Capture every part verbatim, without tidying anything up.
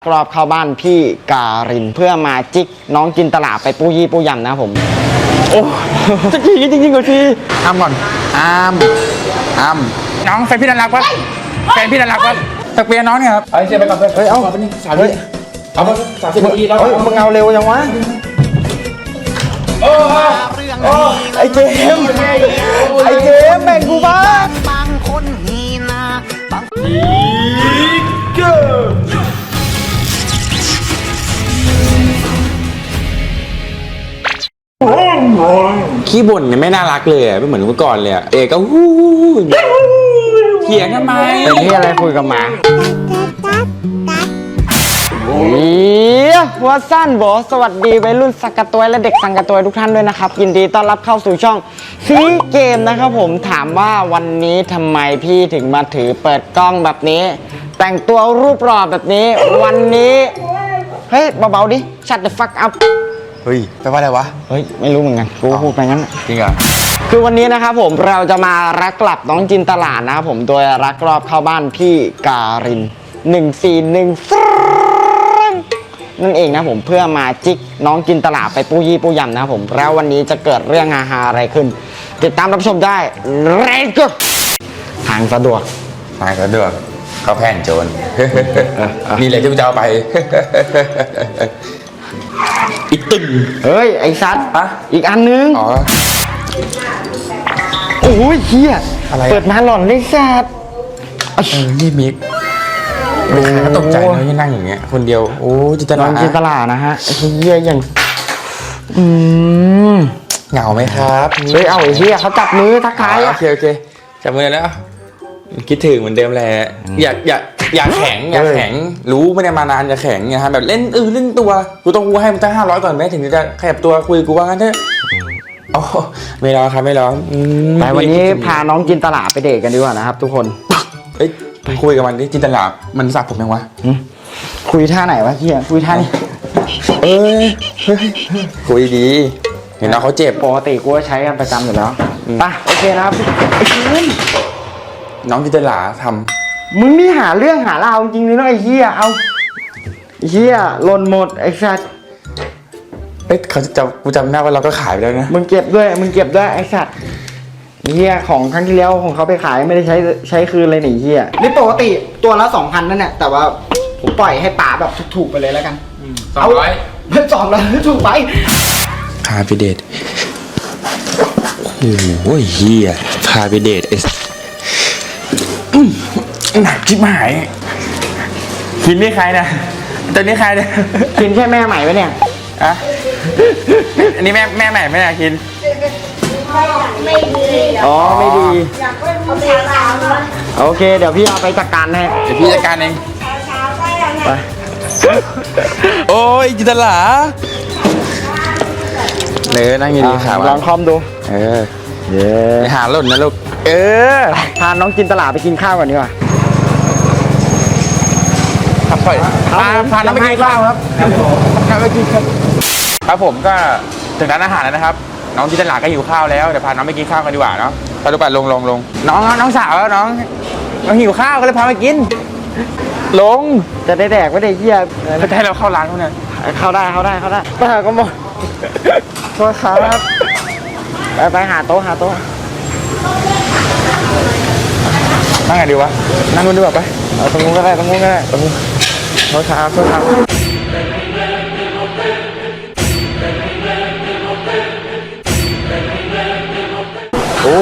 รอบเข้าบ้านพี่การินเพื่อมาจิกน้องจินตลาไปปูยี่ปูยำนะผมโอ้จะจริงจริงจริงกว่าทีอ้ามก่อนอ้ามอ้ามน้องแฟนพี่น่ารักปะแฟนพี่น่ารักปะตะเปียน้องเนี่ยครับเฮ้ยเชียร์ไปก่อนเพื่อนเฮ้ยเอาไปนี่สามสิบเอาไปสามสิบนาทีแล้วเฮ้ยมึงเอาเร็วยังวะโอ้โอ้ไอเจมไอเจมแบ่งกูบ้างบางคนฮีนาบางฮีเกอร์ขี้บ่นเนี่ยไม่น่ารักเลยอ่ะไม่เหมือนเมื่อก่อนเลยอ่ะเอกก็ฮู้เถียงทำไมเป็นที่อะไรคุยกับหมาเฮียหัวสั้นบอสวัสดีวัยรุ่นสังกะตวยและเด็กสังกะตวยทุกท่านด้วยนะครับยินดีต้อนรับเข้าสู่ช่องซีเกมนะครับผมถามว่าวันนี้ทำไมพี่ถึงมาถือเปิดกล้องแบบนี้แต่งตัวรูปหล่อแบบนี้วันนี้เฮ้ยเบาๆดิ shut the fuck up เฮ้ยแปลว่าอะไรวะเฮ้ยไม่รู้เหมือนกันกูพูดไปงั้นจริงเหรอคือวันนี้นะครับผมเราจะมารักกลับน้องจินตลาดนะครับผมโดยรักรอบเข้าบ้านพี่การินหนึ่งสี่หนึ่งนั่นเองนะผมเพื่อมาจิกน้องจินตลาไปปูยี่ปูยำนะครับผมแล้ววันนี้จะเกิดเรื่องฮาๆอะไรขึ้นติดตามรับชมได้เร็วก็ทางสะดวกทางสะดวกเขาแผ่นโจรนี่เลยที่กูจะเอาไปอีกตึงเฮ้ยไอ้ซัดอะอีกอันนึงอ๋อโอ้ยเฮียอะไรเปิดมาหล่อนเลยซัดเออนี่มิกก็ตกใจเลยที่นั่งอย่างเงี้ยคนเดียวโอ้จินตลาน้องจินตลานะฮะไอ้เฮียอย่างอืมเหงาไหมครับเฮ้ยเอาไอ้เฮียเขาจับมือทักทายโอเคโอเคจับมือแล้วคิดถึงเหมือนเดิมแหละอยากอยากอยากแข็งอยากแข็งรู้ไม่ได้มานานอยากแข็งไงฮะแบบเล่นเออเล่นตัวกูต้องกูให้มันตั้งห้าร้อยก่อนแม้ถึงจะขยับตัวคุยกูว่างั้นเถอะอ๋อไม่รอครับไม่รอแต่วันนี้พาน้องจินตลาไปเดทกันดีกว่านะครับทุกคนเอ้ยคุยกับมันดิจินตลามันสับผมยังวะคุยท่าไหนวะเฮียคุยท่านี้เอ้ยคุยดีเห็นน้องเขาเจ็บปกติกูใช้กันประจำอยู่แล้วป่ะโอเคนะครับน้องจินตลาทำมึงนี่หาเรื่องหาราวจริงเลยเนาะไอ้เฮียเอาเฮียหล่นหมดไอ้สัตว์เอ๊ะเขาจะกูจำได้ว่าเราก็ขายไปแล้วนะมึงเก็บด้วยมึงเก็บด้วยไอ้สัตว์เฮียของครั้งที่แล้วของเขาไปขายไม่ได้ใช้ใช้คืนเลยหนิเฮียนี่ปกติตัวละสองพันนั่นแหละแต่ว่าผมปล่อยให้ป๋าแบบถูกๆไปเลยแล้วกันสองร้อยไม่สองร้อยถูกไปพาไปเดทโอ้ยเฮียพาไปเดทเอสหนักที่หายกินนี่ใครนะตัวนี้ใครเนี่ยกินแค่แม่ใหม่ไหมเนี่ยอะอันนี้แม่แม่ใหม่ไม่อยากกินไม่ดีอ๋อไม่ดีโอเคเดี๋ยวพี่เอาไปจัดการให้เดี๋ยวพี่จัดการเองไปโอ้ยจินตลาเนื้อนั่งดีๆขาลองคอมดูเออเย้หาหล่นนะลูกเออพาน้องจินตลาไปกินข้าวก่อนดีกว่าครับพ่อยพาพาน้องไปกินข้าวครับพาไปกินครับครับผมก็ถึงร้านอาหารแล้วนะครับน้องจินตลาก็หิวข้าวแล้วเดี๋ยวพาน้องไปกินข้าวกันดีกว่าเนาะพาลูกไปลงลงลงน้องน้องสาวแล้วน้องน้องหิวข้าวก็เลยพาไปกินลงจะได้แดกไม่ได้เยี่ยเขาจะให้เราเข้าร้านเขาเนี่ยเข้าได้เข้าได้เข้าได้ไปหาก็หมดโทษครับไปไปหาโต๊ะหาโต๊ะนั่งไงดีวะนั่งนู่นดีกว่าไปตรงนู้นก็ได้ตรงนู้นก็ได้ตรงนู้นโทษครับโทษครับโอ้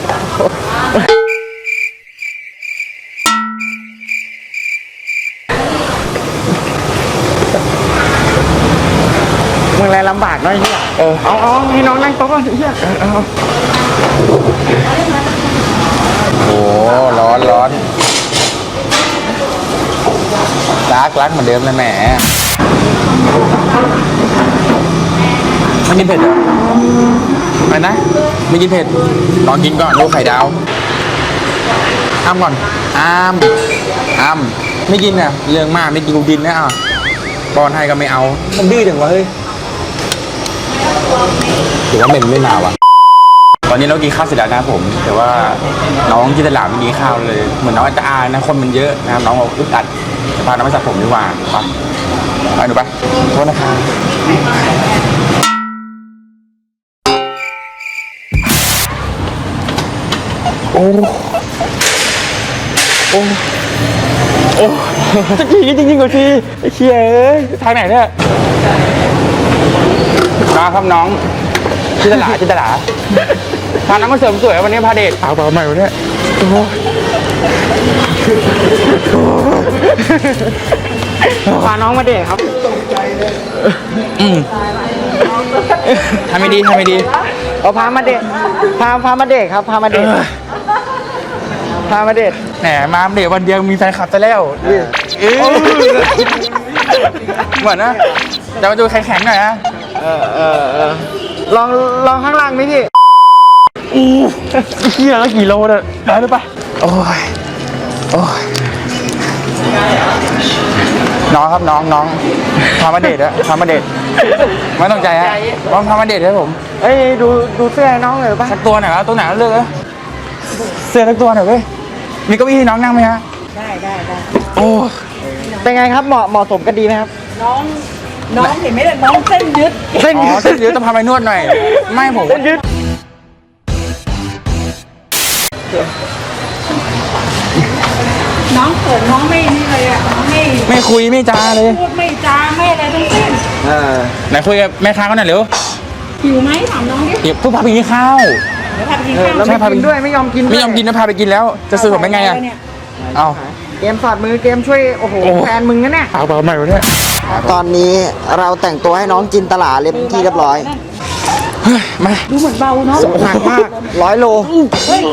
มึงอะไรลำบากน้อยเฮียเออเอาเอาให้น้องนั่งโต๊ะก่อนเฮียเอาโอ้ร้อนร้อนรักรักเหมือนเดิมเลยแหมไม่กินเผ็ดเหรออะไรนะไม่กินเผ็ดลองกินก่อนลูกไข่ดาวอ้ามก่อนอ้ามอ้ามไม่กินอ่ะเรื่องมากไม่กินกูกินนะอ่ะบอลไทยก็ไม่เอามันดื้อจังวะเฮ้ยถือว่าเป็นไม่มาว่ะตอนนี้เรากินข้าวเสร็จแล้วนะผมแต่ว่าน้องจินตลาไม่กินข้าวเลยเหมือนน้องจะอายนะคนมันเยอะนะครับน้องบอกอึดอัดจะพาน้องไปสระผมดีกว่าไปไปหนูไปโทษนะครับโอ้โอ้โอ้จะกี่จริงๆกว่าทีไอ้เชี่ยเอ้ยทางไหนเนี่ยน้องครับน้องจินตลาจินตลาพาน้องมาเสริมสวยวันนี้พาเดทเอาเปล่าใหม่วันนี้พาน้องมาเดทครับอืมทำไม่ดีทำไม่ดีเอาพามาเดทพาพามาเดทครับพามาเดทพามาเดทแหมมาเดทวันเดียวมีแฟนคลับซะแล้วเออเหมือนนะจะมาดูแข็งๆหน่อยนะเออเออเออลองลองข้างล่างไหมพี่อู้เฮียแล้วกี่โลเนี่ยได้หรือปะโอ้ยโอ้ยน้องครับน้องน้องพามาเดทอะพามาเดทไม่ต้องใจฮะว่าพามาเดทครับผมเอ้ยดูดูเสื้อให้น้องเลยป่ะสักตัวหน่อยครับตัวไหนก็เลือกเลยเสื้อสักตัวหน่อยเว้ยมีเก้าอี้ให้น้องนั่งไหมฮะได้ได้ได้โอ้เป็นไงครับเหมาะเหมาะสมกันดีไหมครับน้องน้องเห็นไหมเนี่ยน้องเส้นยึดเส้นอ๋ยือดเส้นเดี๋ยวต้องพาไปนวดหน่อยไม่ผมเส้นยืดน้องเขินน้องไม่นี่เลยอ่ะน้องไม่ไม่คุยไม่จาเลยพูดไม่จาไม่อะไรทั้งสิ้นเออไหนคุยกับแม่ค้าเขาหน่อยเร็วหิวไหมถามน้องดิเดี๋ยวเพิ่งพาไปกินข้าวเดี๋ยวพาไปกินเออข้าวแล้วใช่ไม่พาไปกินด้วยไม่ยอมกินด้วยไม่ยอมกินนะพาไปกินแล้ว จะซื้อผมเป็นไงอะเนี่ยเอาเกมสอดมือเกมช่วยโอ้โหโอ้แฟนมึงนะเนี่ยเอาเปล่าใหม่วะเนี่ยตอนนี้เราแต่งตัวให้น้องจินตลาเรียบที่เรียบร้อยเฮ้ยมาดูเหมือนเบาเนาะหนักมากร้อยโลเฮ้ย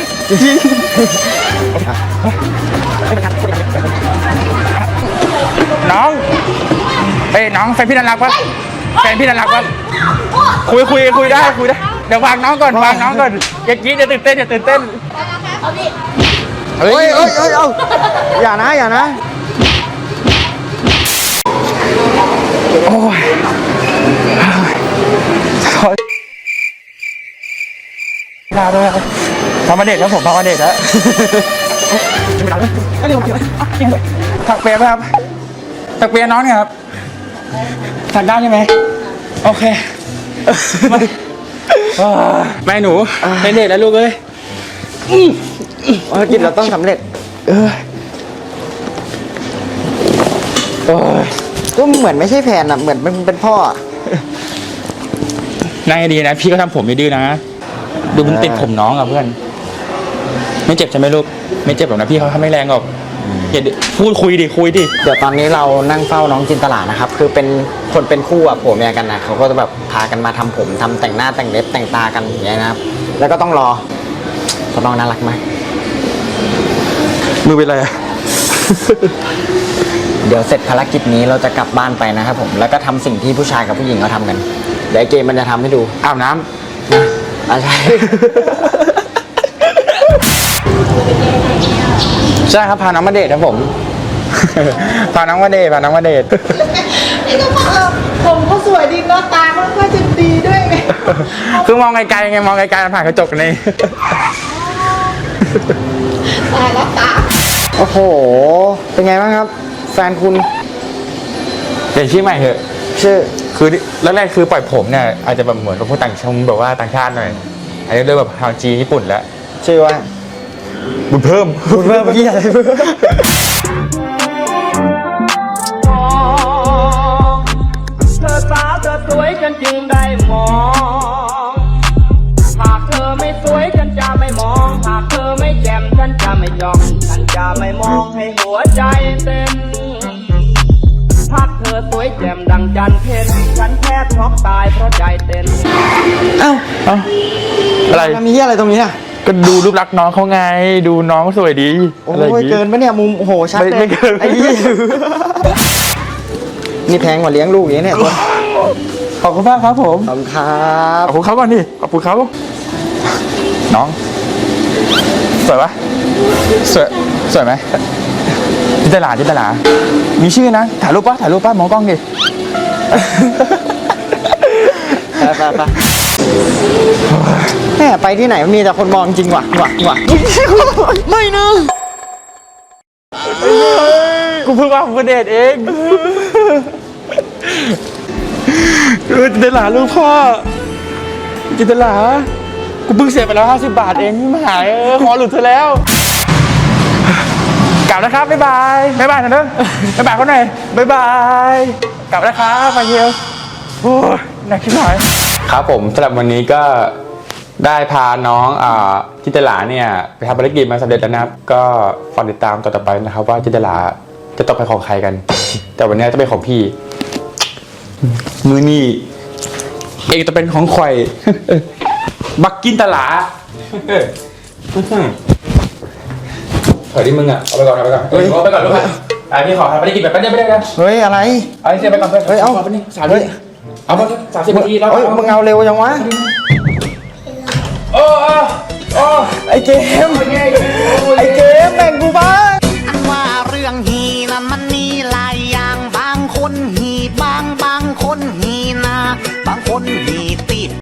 น้องเอ้ยน้องแฟนพี่น่ารักปะแฟนพี่น่ารักปะคุยคุยคุยได้คุยได้เดี๋ยววางน้องก่อนวางน้องก่อนอย่ากรีดอย่าตื่นเต้นอย่าตื่นเต้นเฮ้เอ้ยยเอ้ยเอ้ยเอาอย่านะอย่านะโอ้ยขอลาด้วยพามาเดทครับผมพามาเดทแล้วถักเปียไหมครับถักเปียน้องเนี่ยครับถักได้ใช่ไหมโอเคไม่ไม่หนูเป็นเด็กแล้วลูกเอ้ยภารกิจเราต้องสำเร็จเออโอ้ยก็เหมือนไม่ใช่แฟนอ่ะเหมือนเป็นเป็นพ่ออะน่าดีนะพี่ก็ทำผมไม่ดื้อนะดูมันติดผมน้องอ่ะเพื่อนไม่เจ็บใช่ไหมลูกไม่เจ็บหรอกนะพี่เขาทำไม่แรงหรอกอย่าพูดคุยดิคุยดิเดี๋ยวตอนนี้เรานั่งเฝ้าน้องจินตลานะครับ คือเป็นคนเป็นคู่อ่ะผัวเมียกันนะเขาก็จะแบบพากันมาทำผมทำแต่งหน้าแต่งเล็บแต่งตากันอย่างเงี้ยนะครับ แล้วก็ต้องรอเขาน้องน่ารักไหมมือเป็นไรอ่ะเดี๋ยวเสร็จภารกิจนี้เราจะกลับบ้านไปนะครับผมแล้วก็ทำสิ่งที่ผู้ชายกับผู้หญิงเขาทำกันเดี๋ยวไอ้เกมมันจะทำให้ดูอาบน้อ่ะใช่ำใช่ครับพาน้องมาเดทครับผม พาน้องมาเดทพาน้องมาเดทนี่ก็บอกเออผมเขาสวยดีเนาะตาเขาก็จะดีด้วยไงคือมองไกลๆไงมองไกลๆผ่านกระจกนี่ตายแล้วตาโอ้โหเป็นไงบ้างครับ แฟนคุณเปลี่ยนชื่อใหม่เถอะชื่อคือแรกๆคือปล่อยผมเนี่ยอาจจะแบบเหมือนกับพวกต่างชาติแบบว่าต่างชาติหน่อยอันนี้เริ่มแบบทางจีนญี่ปุ่นแล้วชื่อว่าบุญเพิ่มคุณเพิ่มเมื่อกี้อะไรเพิ่มเธอสาวเธอสวยฉันจึงได้มอง หากเธอไม่สวยฉันจะไม่มอง หากเธอไม่แจ่มฉันจะไม่จ้อง ฉันจะไม่มองให้หัวใจเต้นหากเธอสวยแจ่มดังจันทร์เพ็ญฉันแทบช็อกตายเพราะใจเต้นเอ้าเอ้าอะไรมันมีเหี้ยอะไรตรงนี้อ่ะก็ดูรูปลักษณ์น้องเขาไง ดูน้องสวยดีโอ้อะไรอย่างยเกินปะเนี่ยมุมโอ้โหชัดไม่เลยไม่เกินไอ้เหี้ยนี่แพงกว่าเลี้ยงลูกอย่างนี้เนี่ยตัวขอบคุณมากครับผมขอบคุณครับขอบคุณเขาก่อนดิขอบคุณเขาน้องสวยปะสวยสวยไหมจินตลาจินตลามีชื่อนะถ่ายรูปปะถ่ายรูปปะมองกล้องดิไปไปไปแม่ไปที่ไหนมีแต่คนมองจริงว่ะว่ะว่ะไม่นะกูเพิ่งว่าผมเดทเองตลาลูกพ่อจินตลากูเพิ่งเสียไปแล้วห้าสิบบาทเองพี่หมายเออขอหลุดเธอแล้วกลับนะครับบ๊ายบายบ๊ายบายนะเด้อบ๊ายบายเขาหน่อยบ๊ายบายกลับนะครับมาเยียวโอ้ยหนักขึ้นหน่อยครับผมสำหรับวันนี้ก็ได้พาน้องอ่าจินตลาเนี่ยไปทำภารกิจมาสำเร็จแล้วนะครับก็ฝากติดตามต่อๆไปนะครับว่าจินตลาจะตกเป็นของใครกัน แต่วันนี้จะเป็นของพี่มือนี่เองจะเป็นของข่อย บักกินตลาเฮ้ยที่มึงอ่ะเอาไปก่อนเอาไปก่อนเฮ้ยเอาไปก่อนลูกอ่ะพี่ขอทำภารกิจแบบแป๊บเดียวไม่ได้นะเฮ้ยอะไรเอาเสียไปก่อนเฮ้ยเอาไปนี่สามนาทีเอาไปสามสิบนาทีแล้วเฮ้ยมึงเอาเร็วยังวะโอ้โอ้โอ้ไอ้เกมไอ้เกมแบ่งกูบ้างอันว่าเรื่องฮีนั้นมันมีหลายอย่างบางคนฮีบางบางคนฮีนาบางคนฮีติด